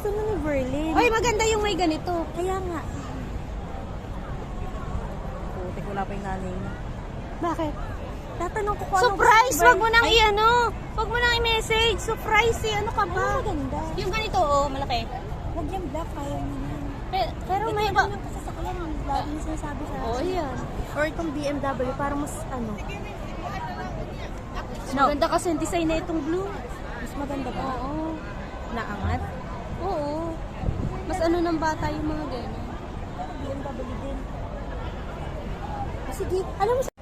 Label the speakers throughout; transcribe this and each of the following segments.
Speaker 1: gusto na ni Verlin.
Speaker 2: Ay, maganda yung may ganito.
Speaker 1: Kaya nga. Putik, wala pa yung nanay niya.
Speaker 2: Bakit?
Speaker 1: Tatanong ko kung anong
Speaker 2: Surprise!
Speaker 1: gusto ni
Speaker 2: Wag mo nang i-ano. Wag mo nang i-message. Surprise eh. Ano ka
Speaker 1: Verlin.
Speaker 2: ba?
Speaker 1: Ano maganda?
Speaker 2: Yung ganito, oh, malaki.
Speaker 1: Huwag yung black, kaya mo na.
Speaker 2: Pero may
Speaker 1: Ito
Speaker 2: iba.
Speaker 1: yung kasasakyan. Laging sinasabi sa
Speaker 2: Oh, yan.
Speaker 1: Or itong BMW, para mas ano.
Speaker 2: Maganda kasi yung design na itong blue.
Speaker 1: Mas maganda ba?
Speaker 2: Oo.
Speaker 1: Naangat?
Speaker 2: Oo. Mas ano ng bata yung mga ganyan.
Speaker 1: BMW din. Sige, alam mo sa...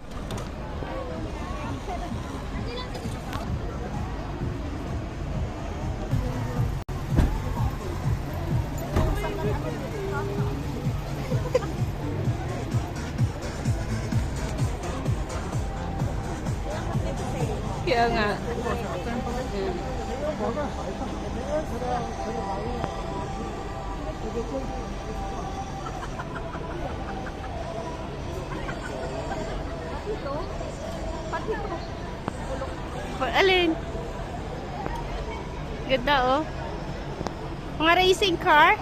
Speaker 2: Kaya nga. Alin? Ganda oh. Mga racing car.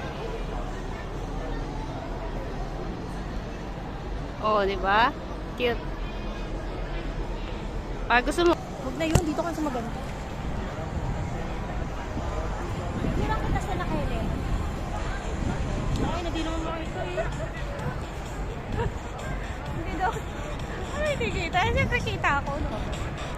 Speaker 2: Oh, di ba? Cute. Ah, gusto mo?
Speaker 1: Huwag na yun, dito ka sa maganda. Hindi lang kita sa nakaili. Ay, hindi naman makita eh.
Speaker 2: Hindi daw. Ano nakikita? Siyempre kita ako. No?